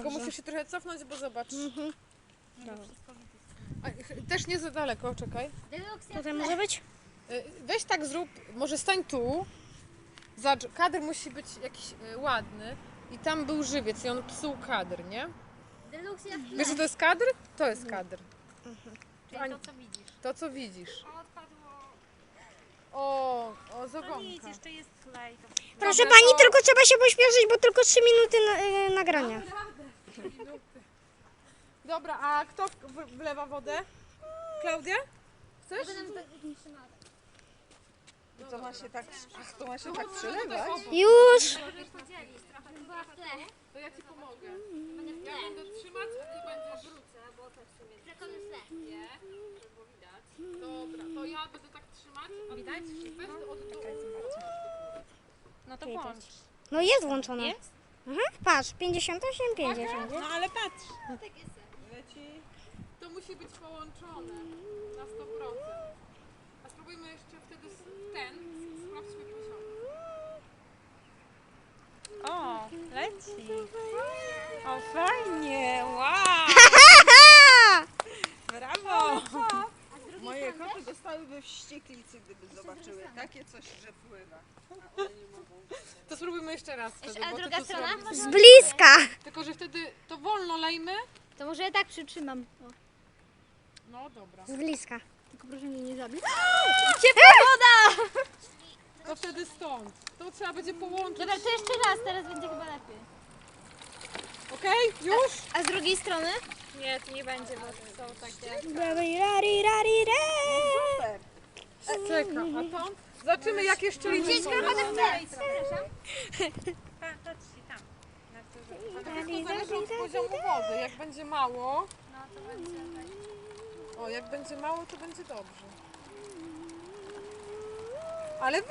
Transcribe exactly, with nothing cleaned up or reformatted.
Tylko Dobrze. musisz się trochę cofnąć, bo zobacz. Mhm. A, ch- też nie za daleko, czekaj. Tutaj może być? Y, Weź tak zrób, może stań tu. Zobacz, kadr musi być jakiś y, ładny. I tam był żywiec i on psuł kadr, nie? Wiesz, że to jest kadr? To jest kadr. Czyli to, co widzisz. To, co widzisz. O, odpadło. O, o, To nic, zogonka. jeszcze jest klej. To... Proszę Dobra, pani, to- tylko trzeba się pośpieszyć, bo tylko trzy minuty na, y, nagrania. Minuty. Dobra, a kto w- w- wlewa wodę? Klaudia? Chcesz? I to ma się tak, ach, to ma się tak przelewać? Już! Możesz podzielić trochę. Była w tle. To ja ci pomogę. Ja będę trzymać, a ty będziesz... Wrócę, bo tak sobie... Przekony w tle. Nie, żeby było widać. Dobra, to ja będę tak trzymać, a widać? Weź to od dołu. No to Widać. włącz. No jest włączone. Jest? Mhm, patrz, pięćdziesiąt osiem, pięćdziesiąt. No ale patrz. Leci. To musi być połączone na sto procent. A spróbujmy jeszcze wtedy s- ten, sprawdźmy poziom. O, leci. O, fajnie. Wow. Brawo. Moje koty dostałyby wścieklicy, gdyby zobaczyły takie coś, że pływa. A one nie mogą. To spróbujmy jeszcze raz wtedy, A bo ty druga to strona? zrobisz. Z bliska! Tylko, że wtedy to wolno lejmy. To może ja tak przytrzymam. O, No dobra. Z bliska. tylko proszę mnie nie zabić. To wtedy stąd. To trzeba będzie połączyć. Dobra, to jeszcze raz, teraz będzie chyba lepiej. Okej? Już? A z drugiej strony? Nie, tu nie będzie, bo są takie... Rari, rari, rari, re. Super. Czekam. A to? Zobaczymy, jak jeszcze liczyć. Przepraszam. Patrzcie tam. Na górze. To wszystko zależy od poziomu wody. Jak będzie mało, No to będzie tak. o, jak będzie mało, to będzie dobrze. Ale